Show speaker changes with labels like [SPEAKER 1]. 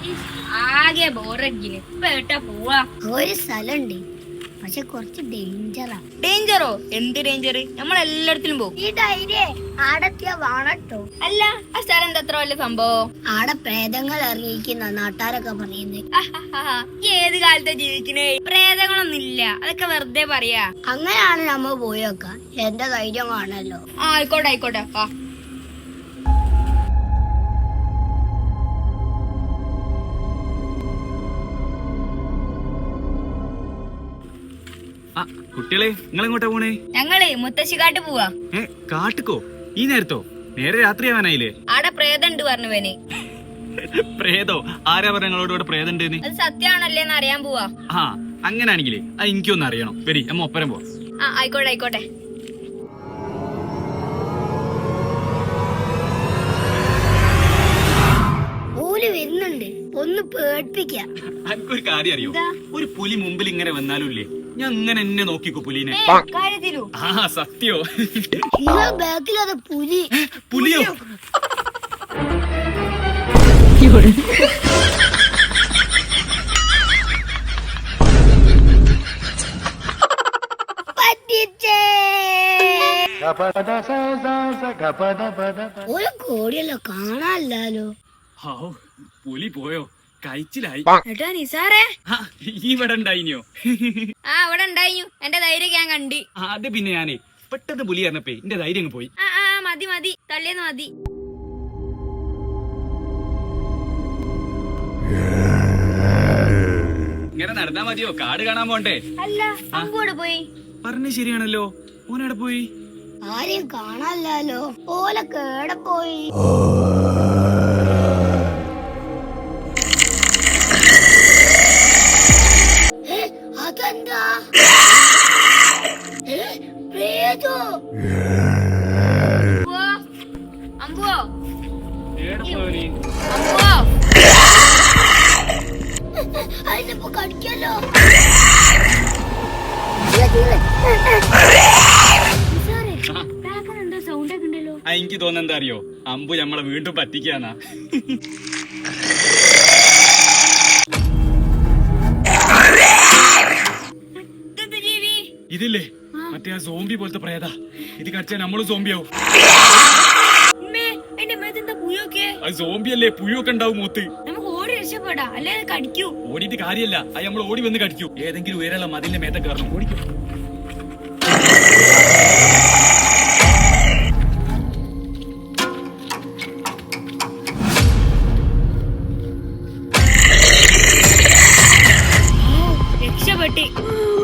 [SPEAKER 1] ആകെ ബോറടിക്കുന്നു. ഇപ്പൊ എട്ടാ പോവാ?
[SPEAKER 2] ഒരു സ്ഥലമുണ്ട്, പക്ഷെ കുറച്ച് ഡേഞ്ചറാ.
[SPEAKER 1] ഡേഞ്ചറോ? എന്ത് ഡേഞ്ചർ? നമ്മളെല്ലായിടത്തിലും പോകും.
[SPEAKER 2] ഈ ധൈര്യം ആടെത്തിയാ വാണട്ടോ.
[SPEAKER 1] അല്ല, ആ സ്ഥലം എന്താ അത്ര വലിയ സംഭവം?
[SPEAKER 2] ആടെ പ്രേതങ്ങൾ ഇറങ്ങിയിരിക്കുന്ന നാട്ടാരൊക്കെ പറയുന്നത്.
[SPEAKER 1] ഈ ഏത് കാലത്താ ജീവിക്കണേ? പ്രേതങ്ങളൊന്നും ഇല്ല, അതൊക്കെ വെറുതെ പറയാ.
[SPEAKER 2] അങ്ങനെയാണ് നമ്മ പോയൊക്കെ. എന്റെ ധൈര്യം കാണല്ലോ.
[SPEAKER 1] ആയിക്കോട്ടെ ആയിക്കോട്ടെ.
[SPEAKER 3] കുട്ടികളെ, നിങ്ങൾ എങ്ങോട്ടാ പോണേ?
[SPEAKER 1] ഞങ്ങള് മുത്തശ്ശിക്കാട്ട് പോവാ.
[SPEAKER 3] കാട്ടുക്കോ? ഈ നേരത്തോ? നേരെ രാത്രിയാവാനായില്ലേ?
[SPEAKER 1] ആടെ പ്രേതം ഉണ്ട് പറഞ്ഞുവന്.
[SPEAKER 3] പ്രേതോ? ആരാ പറഞ്ഞ നിങ്ങളോട് ഇവിടെ പ്രേതം ഉണ്ടെന്ന്?
[SPEAKER 1] അത് സത്യാണല്ലേന്ന് അറിയാൻ പോവാ.
[SPEAKER 3] ആ, അങ്ങനാണെങ്കിലേ അത് എനിക്കൊന്നും അറിയണം. വരി, അമ്മ ഒപ്പരം പോ.
[SPEAKER 1] ആയിക്കോട്ടെ ആയിക്കോട്ടെ.
[SPEAKER 2] ഓല് വരുന്നുണ്ട്, ഒന്ന് പേടിപ്പിക്കാം.
[SPEAKER 3] എനിക്കൊരു കാര്യം അറിയോ? ഒരു പുലി മുമ്പിൽ ഇങ്ങനെ വന്നാലും ഇല്ലേ, ഞാൻ ഇങ്ങനെ എന്നെ നോക്കിക്കോ പുലിനെ.
[SPEAKER 1] കാര്യത്തിലോ?
[SPEAKER 3] ആ, സത്യോ?
[SPEAKER 2] നിങ്ങളെ ബാക്കിൽ അത് പുലി.
[SPEAKER 3] പുലിയോ?
[SPEAKER 2] പറ്റിച്ചേ. ഒരു കോടിയല്ലോ, കാണാനില്ലല്ലോ.
[SPEAKER 3] ഹാവൂ, പുലി പോയോ? കഴിച്ചിലായി.
[SPEAKER 1] ഏട്ടാ നിസാറേ,
[SPEAKER 3] ഈ ഇവിടെ ഉണ്ടായിനോ?
[SPEAKER 1] ഇവിടെ ഉണ്ടായിരുന്നു. എന്റെ ധൈര്യം ഞാൻ കണ്ടി.
[SPEAKER 3] അത് പിന്നെ ഞാനേ പെട്ടെന്ന് പുലി പറഞ്ഞപ്പേ എന്റെ ധൈര്യം അങ്ങ് പോയി.
[SPEAKER 1] മതി മതി, തള്ളിയെന്ന് മതി.
[SPEAKER 3] ഇങ്ങനെ നടന്നാ മതിയോ? കാട് കാണാൻ പോണ്ടേ?
[SPEAKER 1] അല്ല, അമ്പൂടെ പോയി.
[SPEAKER 3] പറഞ്ഞ ശരിയാണല്ലോ. ഓനെവിടെ പോയി?
[SPEAKER 2] ആരെയും കാണാനില്ലല്ലോ. ഓല കേടെ പോയി. അതെന്താ? പ്രേതോ?
[SPEAKER 1] അമ്പുവോ?
[SPEAKER 3] എവിടെ പോയി?
[SPEAKER 1] അമ്പുവോ?
[SPEAKER 2] അതിനിപ്പോ കടിക്കല്ലോ.
[SPEAKER 1] സൗണ്ട് ഒക്കെ ഉണ്ടല്ലോ.
[SPEAKER 3] എനിക്ക് തോന്നുന്നത് എന്താ അറിയോ? അമ്പു നമ്മളെ വീണ്ടും പറ്റിക്കാന്നാ. ഇതില്ലേ മറ്റേ ആ സോംബി പോലത്തെ പ്രേത. ഇത് കടിച്ചാൽ നമ്മളും സോംബിയാവും. അത് സോംബിയല്ലേ, പുഴുവൊക്കെ ഉണ്ടാവും മൂത്ത്.
[SPEAKER 1] നമുക്ക് ഓടി രക്ഷപ്പെടാ, അല്ലേ കടിക്കൂ.
[SPEAKER 3] ഓടിയിട്ട് കാര്യല്ല, അത് നമ്മൾ ഓടി വന്ന് കടിക്കൂ. ഏതെങ്കിലും ഉയരമുള്ള മതിലിന്റെ മേത്തെ കയറണം, ഓടിക്കും.
[SPEAKER 1] രക്ഷപ്പെട്ടി.